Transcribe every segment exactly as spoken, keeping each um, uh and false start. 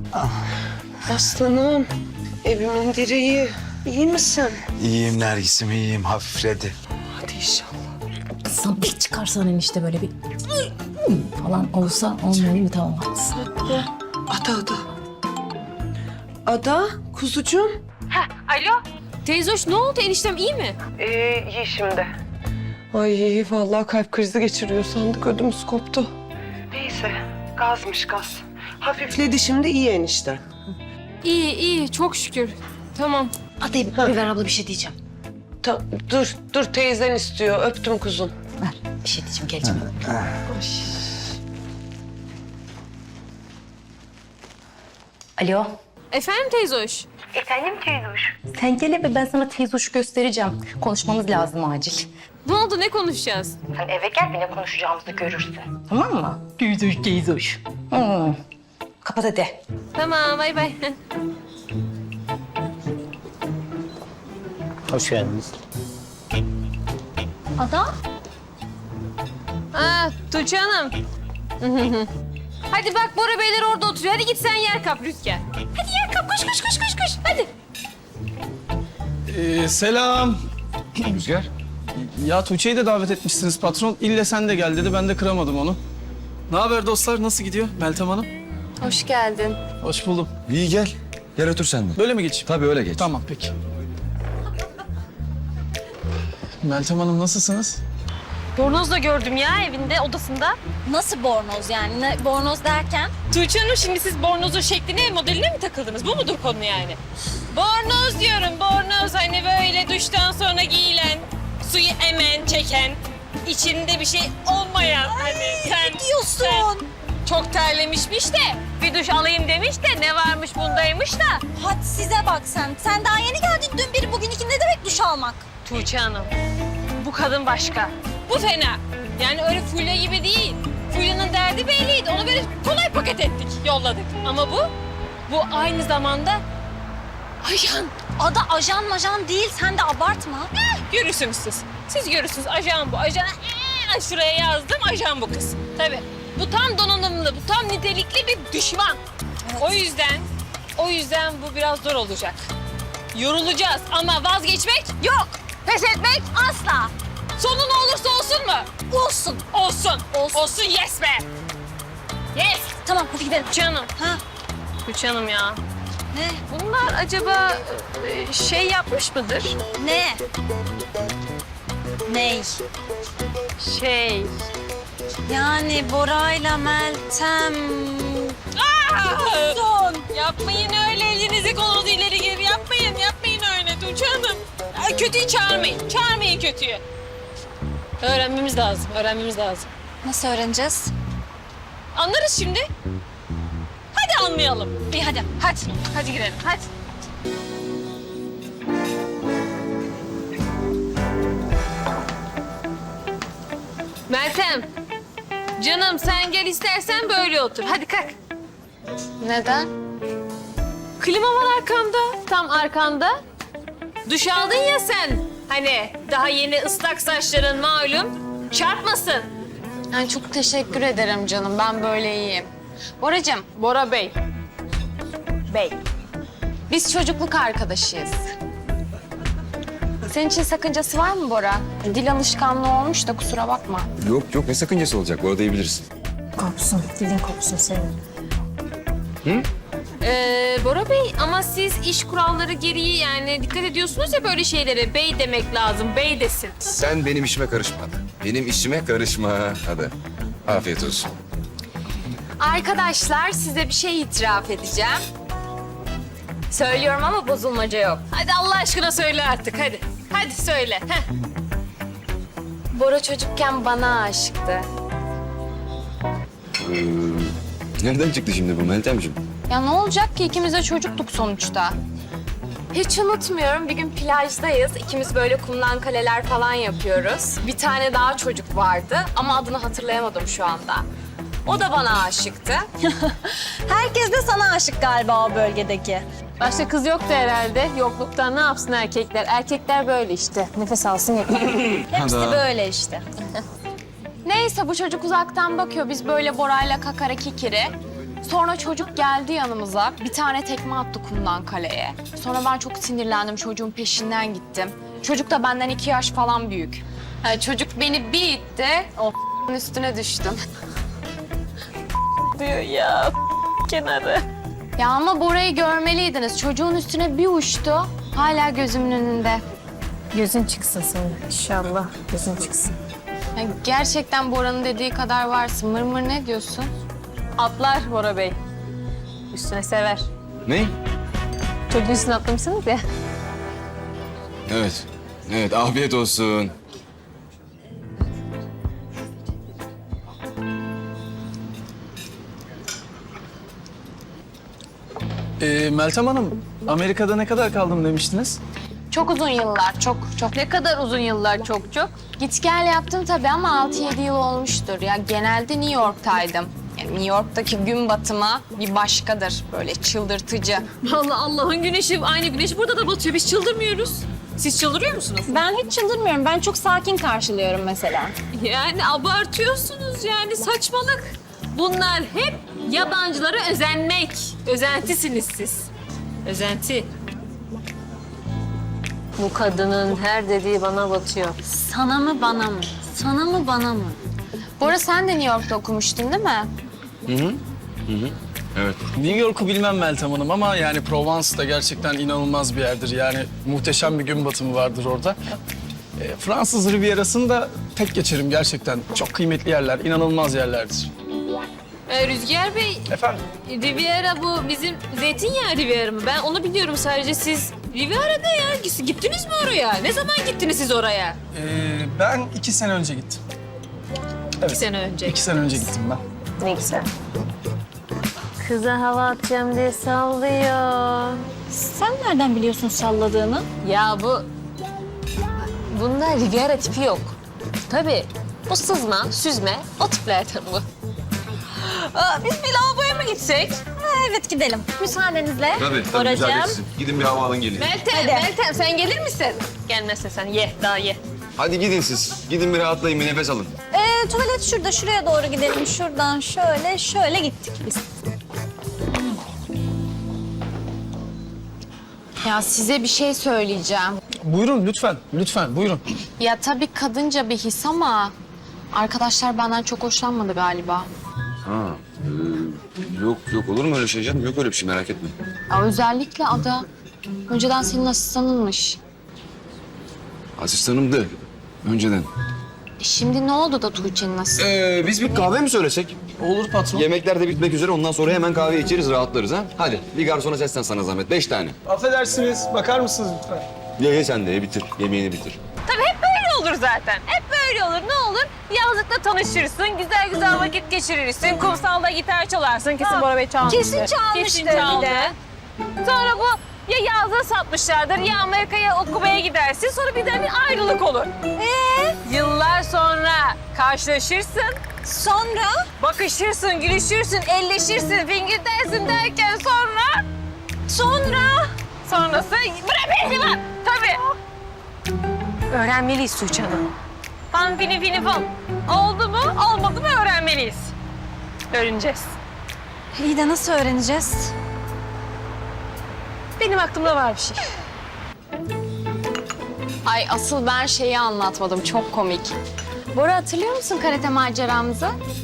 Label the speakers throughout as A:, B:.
A: Aslanım, evimin direği. İyi misin?
B: İyiyim Nergis'im, iyiyim. Hafifledi.
A: Hadi inşallah.
C: Kızım bir çıkarsan enişte böyle bir falan olsa olmuyor değil mi? Tamam haklısın.
A: Ada, Ada. Ada, kuzucuğum.
D: Alo. Teyze hoş, ne oldu? Eniştem iyi mi?
A: Ee, iyi şimdi. Ay vallahi kalp krizi geçiriyor sandık, ödümüz koptu. Neyse, gazmış gaz. Hafifledi şimdi, iyi enişte.
D: İyi, iyi. Çok şükür. Tamam.
C: Hadi bir ver abla, bir şey diyeceğim.
A: Ta- dur, dur teyzen istiyor. Öptüm kuzum.
C: Ver bir şey diyeceğim, geleceğim. Alo.
D: Efendim teyze hoş?
C: Sen gel eve, ben sana teyze hoşu göstereceğim. Konuşmamız lazım acil.
D: Ne oldu? Ne konuşacağız?
C: Sen eve gel, bir ne konuşacağımızı görürsün. Tamam mı? Teyze hoş, teyze hoş. Hmm. Kapat hadi.
D: Tamam, bay bay.
E: Hoş geldiniz.
C: Ada?
D: Aa, Tuğçe Hanım. Hadi bak Bora Beyler orada oturuyor. Hadi git sen yer kap Rüzgar. Hadi yer kap. Koş, koş, koş, koş, koş. Hadi.
F: Ee, selam.
B: Rüzgar.
F: Ya Tuğçe'yi de davet etmişsiniz patron. İlle sen de gel dedi. Ben de kıramadım onu. Ne haber dostlar? Nasıl gidiyor Meltem Hanım?
D: Hoş geldin.
F: Hoş buldum.
B: İyi gel. Gel otur sen de.
F: Böyle mi geçeyim?
B: Tabii öyle geç.
F: Tamam peki. Meltem Hanım nasılsınız?
D: Bornoz da gördüm ya evinde, odasında.
G: Nasıl bornoz yani? Ne, bornoz derken?
D: Tuğçe Hanım şimdi siz bornozun şekline, modeline mi takıldınız? Bu mudur konu yani? Bornoz diyorum, bornoz. Hani böyle duştan sonra giyilen, suyu emen, çeken, içinde bir şey olmayan. Hani sen,
G: diyorsun?
D: sen çok terlemişmiş de bir duş alayım demiş de ne varmış bundaymış da.
G: Hadi size bak sen. Sen daha yeni geldin dün biri bugün iki, ne demek duş almak?
D: Tuğçe Hanım, bu kadın başka. Bu fena. Yani öyle Fulya gibi değil. Fulya'nın derdi belliydi. Onu böyle kolay paket ettik, yolladık. Ama bu, bu aynı zamanda ajan.
G: Ada ajan majan değil, sen de abartma.
D: Eh, görürsünüz siz. Siz görürsünüz. Ajan bu. Ajan, eh, şuraya yazdım. Ajan bu kız. Tabii. Bu tam donanımlı, bu tam nitelikli bir düşman. O yüzden, o yüzden bu biraz zor olacak. Yorulacağız ama vazgeçmek yok. Pes etmek asla. Sonu ne olursa olsun mu?
G: Olsun.
D: Olsun.
G: Olsun.
D: Olsun yes be. Yes.
G: Tamam hadi gidelim.
D: Canım.
G: Ha?
D: Tuğçe Hanım ya.
G: Ne?
D: Bunlar acaba e, şey yapmış mıdır?
G: Ne? Ney?
D: Şey.
G: Yani Bora'yla Meltem...
D: Aa! Son. Yapmayın öyle, elinizi kolunuzu ileri geri yapmayın. Yapmayın öyle Tuğçe Hanım. Ay, kötüyü çağırmayın. Çağırmayın kötüyü. Öğrenmemiz lazım. Öğrenmemiz lazım.
G: Nasıl öğreneceğiz?
D: Anlarız şimdi. Hadi anlayalım.
G: İyi hadi.
D: Hadi. Hadi girelim. Hadi. Meltem. Canım sen gel istersen böyle otur. Hadi kalk.
G: Neden?
D: Klima var arkamda. Tam arkanda. Duş aldın ya sen. Hani daha yeni ıslak saçların malum. Çarpmasın.
H: Yani çok teşekkür ederim canım. Ben böyle iyiyim. Boracığım,
D: Bora Bey. Bey.
H: biz çocukluk arkadaşıyız. Senin için sakıncası var mı Bora? Dil alışkanlığı olmuş da kusura bakma.
I: Yok yok ne sakıncası olacak? Bu arada iyi bilirsin.
C: Kopsun, dilin kopsun senin.
D: Ee, Bora Bey ama siz iş kuralları gereği yani dikkat ediyorsunuz ya böyle şeylere. Bey demek lazım. Bey desin.
I: Sen benim işime karışma. Benim işime karışma. Hadi. Afiyet olsun.
H: Arkadaşlar size bir şey itiraf edeceğim. Söylüyorum ama bozulmaca yok.
D: Hadi Allah aşkına söyle artık hadi. Hadi söyle. Heh.
H: Bora çocukken bana aşıktı.
I: Ee, nereden çıktı şimdi bu Meltemciğim?
H: Ya ne olacak ki ikimiz de çocuktuk sonuçta. Hiç unutmuyorum bir gün plajdayız. İkimiz böyle kumdan kaleler falan yapıyoruz. Bir tane daha çocuk vardı ama adını hatırlayamadım şu anda. O da bana aşıktı.
G: Herkes de sana aşık galiba o bölgedeki.
D: Başta kız yoktu herhalde. Yokluktan ne yapsın erkekler? Erkekler böyle işte. Nefes alsın yeter.
G: Hepsi böyle işte.
H: Neyse bu çocuk uzaktan bakıyor. Biz böyle Bora'yla kakara kikiri. Sonra çocuk geldi yanımıza. Bir tane tekme attı kumdan kaleye. Sonra ben çok sinirlendim. Çocuğun peşinden gittim. Çocuk da benden iki yaş falan büyük. Yani çocuk beni bir itti. O üstüne düştüm.
D: Diyor ya kenarı.
H: Ya ama Bora'yı görmeliydiniz. Çocuğun üstüne bir uçtu. Hala gözümün önünde.
D: Gözün çıksın senin inşallah. Gözün çıksın.
H: Ya gerçekten Bora'nın dediği kadar varsın. Mır mır ne diyorsun?
D: Atlar Bora Bey. Üstüne sever.
I: Ne?
D: Çocuğun üstüne atlamışsınız ya.
I: Evet. Evet, afiyet olsun.
F: Ee, Meltem Hanım, Amerika'da ne kadar kaldım demiştiniz?
H: Çok uzun yıllar, çok çok.
D: Ne kadar uzun yıllar çok çok.
H: Git gel yaptım tabii ama altı yedi yıl olmuştur. Ya genelde New York'taydım. Yani New York'taki gün batımı bir başkadır. Böyle çıldırtıcı.
D: Vallahi Allah'ın güneşi aynı güneş burada da batıyor. Biz çıldırmıyoruz. Siz çıldırıyor musunuz?
G: Ben hiç çıldırmıyorum. Ben çok sakin karşılıyorum mesela.
D: Yani abartıyorsunuz yani saçmalık. Bunlar hep yabancılara özenmek. Özentisiniz siz. Özenti. Bu kadının her dediği bana batıyor.
G: Sana mı bana mı? Sana mı bana mı?
H: Bora sen de New York'ta okumuştun değil mi?
I: Evet.
F: New York'u bilmem Meltem Hanım ama yani Provence da gerçekten inanılmaz bir yerdir. Yani muhteşem bir gün batımı vardır orada. E, Fransız Riviera'sını da tek geçerim gerçekten. Çok kıymetli yerler, inanılmaz yerlerdir.
D: Ee, Rüzgar Bey,
F: Efendim?
D: Riviera bu bizim zeytinyağı Riviera mı? Ben onu biliyorum sadece. Siz Riviera'da ya. Gittiniz mi oraya? Ne zaman gittiniz siz oraya?
F: Ee, ben iki sene önce gittim. Evet.
D: İki sene önce.
F: İki sene önce gittim ben.
D: Ne güzel. Kıza hava atacağım diye sallıyor.
G: Sen nereden biliyorsun salladığını?
D: Ya bu... Bunda Riviera tipi yok. Tabii. Bu sızma, süzme, o tiplerden bu. Aa, biz bir lavaboya mı gitsek?
G: Ha, evet gidelim. Müsaadenizle.
I: Tabii, tabii.
G: Boracığım.
I: Müsaade etsin. Gidin bir hava alın gelin.
D: Meltem, Meltem sen gelir misin? Gelmezsen sen ye, daha ye.
I: Hadi gidin siz. Gidin bir rahatlayın, bir nefes alın.
G: Ee, tuvalet şurada. Şuraya doğru gidelim. Şuradan şöyle şöyle gittik biz.
H: Ya size bir şey söyleyeceğim.
F: Buyurun lütfen, lütfen buyurun.
H: Ya tabii kadınca bir his ama arkadaşlar benden çok hoşlanmadı galiba.
I: Ha. e, yok, yok olur mu öyle şey canım? Yok öyle bir şey, merak etme.
H: Ya özellikle Ada. Önceden senin asistanınmış.
I: Asistanımdı. Önceden.
H: E şimdi ne oldu da Tuğçe'nin asistanı?
I: Ee, biz bir kahve mi söylesek?
F: Olur patron.
I: Yemekler de bitmek üzere, ondan sonra hemen kahve içeriz, rahatlarız ha. Hadi bir garsona seslen sana zahmet. Beş tane.
F: Affedersiniz, bakar mısınız lütfen?
I: Ye ye sen de ye, bitir. Yemeğini bitir.
D: Tabii hep böyle olur zaten. Hep böyle olur. Ne olur? Yazlıkta tanışırsın, güzel güzel vakit geçirirsin. Kumsalda gitar çalarsın. Kesin Bora Bey çalmıştır.
G: Kesin çalmıştır
D: Kesin
G: bir
D: çaldı.
G: de.
D: Sonra bu ya yazlığı satmışlardır ya Amerika'ya okumaya gidersin. Sonra birden bir ayrılık olur. Ee? Yıllar sonra karşılaşırsın.
G: Sonra?
D: Bakışırsın, gülüşürsün, elleşirsin, fingir dersin derken sonra... Sonra? Sonrası... Bırak beni bak! Tabii. Öğrenmeliyiz Tuğçe Hanım. Fan fini fini fan. Oldu mu, olmadı mı öğrenmeliyiz. Öğreneceğiz.
G: İyi de nasıl öğreneceğiz?
D: Benim aklımda var bir şey.
H: Ay asıl ben şeyi anlatmadım. Çok komik. Bora hatırlıyor musun karate maceramızı?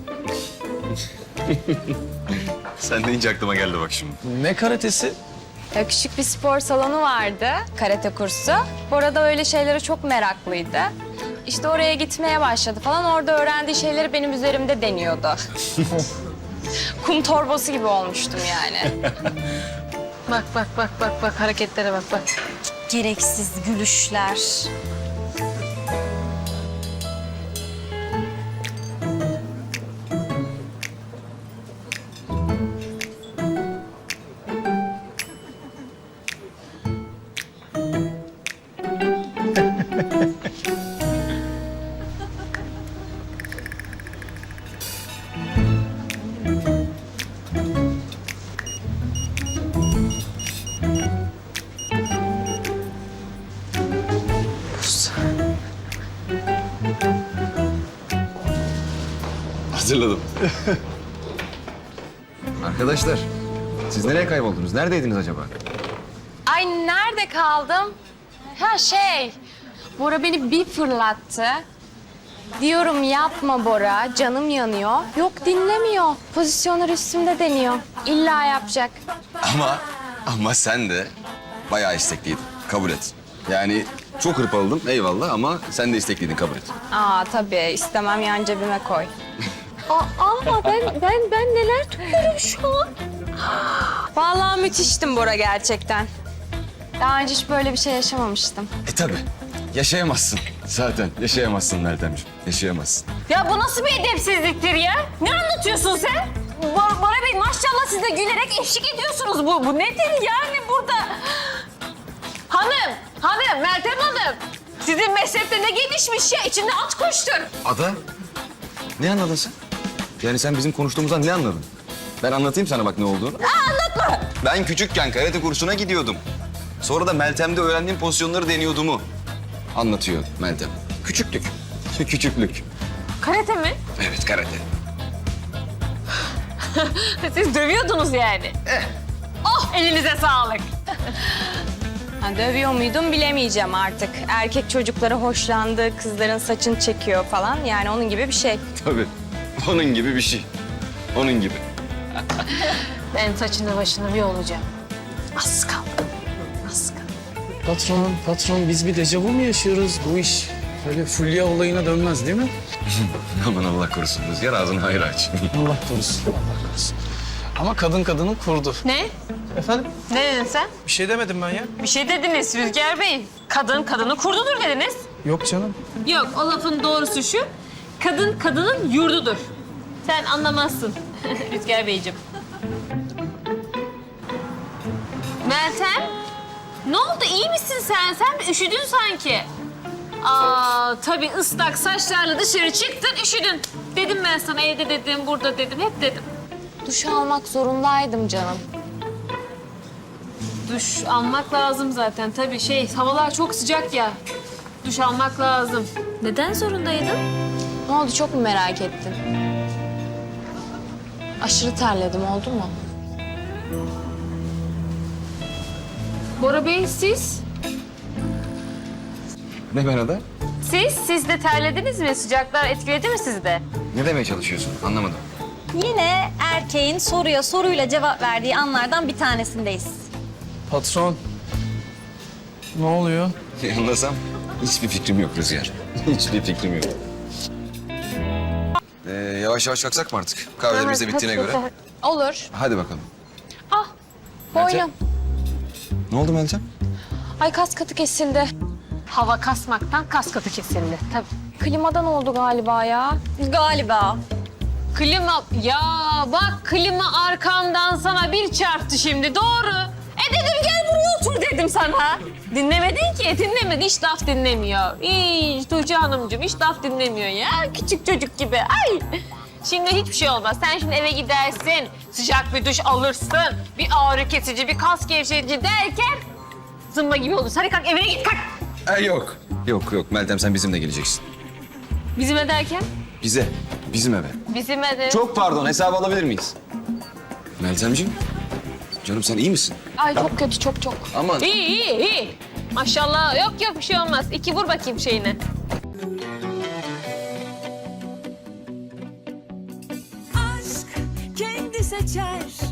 I: Sen deyince aklıma geldi bak şimdi.
F: Ne karatesi?
H: Ya küçük bir spor salonu vardı, karate kursu. Bora da öyle şeylere çok meraklıydı. İşte oraya gitmeye başladı falan. Orada öğrendiği şeyleri benim üzerimde deniyordu. Kum torbası gibi olmuştum yani.
D: Bak bak bak bak bak hareketlere bak bak.
G: Gereksiz gülüşler.
I: Hazırladım. Arkadaşlar, siz nereye kayboldunuz? Neredeydiniz acaba?
H: Ay nerede kaldım? Ha şey, Bora beni bir fırlattı. Diyorum yapma Bora, canım yanıyor. Yok dinlemiyor. Pozisyonlar üstümde deniyor. İlla yapacak.
I: Ama, ama sen de bayağı istekliydin. Kabul et. Yani çok hırpaladım eyvallah ama sen de istekliydin, kabul et.
H: Aa tabii istemem yan cebime koy. Aa, aa ben ben ben neler tutuyorum şu an. Vallahi müthiştim Bora gerçekten. Daha önce hiç böyle bir şey yaşamamıştım.
I: E tabii. Yaşayamazsın. Zaten yaşayamazsın Meltemciğim. Yaşayamazsın.
D: Ya bu nasıl bir edepsizliktir ya? Ne anlatıyorsun sen? Bor Bora Bey maşallah siz de gülerek eşlik ediyorsunuz. Bu, bu nedir yani burada? Hanım, hanım, Meltem Hanım. Sizin meslekte ne gelişmiş ya? İçinde at koştur.
I: Ada, ne anladın sen? Yani sen bizim konuştuğumuzdan ne anladın? Ben anlatayım sana bak ne olduğunu.
D: Aa, anlatma.
I: Ben küçükken karate kursuna gidiyordum. Sonra da Meltem'de öğrendiğim pozisyonları deniyordumu anlatıyor Meltem. Küçüklük. Küçüklük.
D: Karate mi?
I: Evet, karate.
D: Siz dövüyordunuz yani.
I: Eh.
D: Oh, elinize sağlık.
H: Ha, dövüyor muydum bilemeyeceğim artık. Erkek çocukları hoşlandı, kızların saçını çekiyor falan. Yani onun gibi bir şey.
I: Tabii. Onun gibi bir şey. Onun gibi.
D: Ben saçını başını bir olacağım. Az kaldı. Az kaldı.
F: Patron, patron biz bir dejavu mu yaşıyoruz? Bu iş böyle Fulya olayına dönmez değil mi?
I: Aman Allah korusun Rüzgar, ağzını hayır aç.
F: Allah korusun, Allah korusun. Ama kadın kadını kurdu.
D: Ne?
F: Efendim?
D: Ne dedin sen?
F: Bir şey demedim ben ya.
D: Bir şey dediniz Rüzgar Bey. Kadın kadını kurdudur dediniz.
F: Yok canım.
D: Yok, o lafın doğrusu şu. Kadın kadının yurdudur. Sen anlamazsın Rüzgar Beyciğim. Meltem, ne oldu? İyi misin sen? Sen bir üşüdün sanki. Aa, tabii ıslak saçlarla dışarı çıktın, üşüdün. Dedim ben sana, evde dedim, burada dedim, hep dedim.
H: Duş almak zorundaydım canım.
D: Duş almak lazım zaten tabii. Şey, havalar çok sıcak ya. Duş almak lazım. Neden zorundaydın?
H: Ne oldu çok mu merak ettin? Aşırı terledim oldu mu?
D: Bora Bey, siz?
I: Ne ben Ada?
D: Siz, siz de terlediniz mi? Sıcaklar etkiledi mi sizi de?
I: Ne demeye çalışıyorsun? Anlamadım.
G: Yine erkeğin soruya soruyla cevap verdiği anlardan bir tanesindeyiz.
F: Patron. Ne oluyor?
I: Anlasam hiçbir fikrim yok Rüzgar. Hiçbir fikrim yok. Ee, yavaş yavaş kalksak mı artık? Kahvelerimiz de bittiğine göre.
H: Olur.
I: Hadi bakalım.
H: Ah,
I: Meltem?
H: boynum.
I: Ne oldu Meltem?
H: Ay kas katı kesildi.
D: Hava kasmaktan kas katı kesildi. Tabii.
H: Klimadan oldu galiba ya.
G: Galiba.
D: Klima, ya bak klima arkamdan sana bir çarptı şimdi, doğru. E dedim gel buraya otur dedim sana. Dinlemedin ki, dinlemedi, hiç laf dinlemiyor. Hiç Tuğçe Hanımcığım, hiç laf dinlemiyor ya, küçük çocuk gibi. Ay. Şimdi hiçbir şey olmaz. Sen şimdi eve gidersin, sıcak bir duş alırsın, bir ağrı kesici, bir kas gevşetici derken zımba gibi olursun. Hadi kalk evine git, kalk.
I: Ee, yok. Yok yok Meltem, sen bizimle geleceksin.
D: Bizim derken?
I: Bize. Bizim eve.
D: Bizim de.
I: Çok pardon, hesabı alabilir miyiz? Meltemciğim. Canım sen iyi misin?
H: Ay çok kötü çok çok.
I: Aman.
D: İyi, iyi, iyi. Maşallah, yok yok bir şey olmaz. İki vur bakayım şeyine.
E: Aşk kendi seçer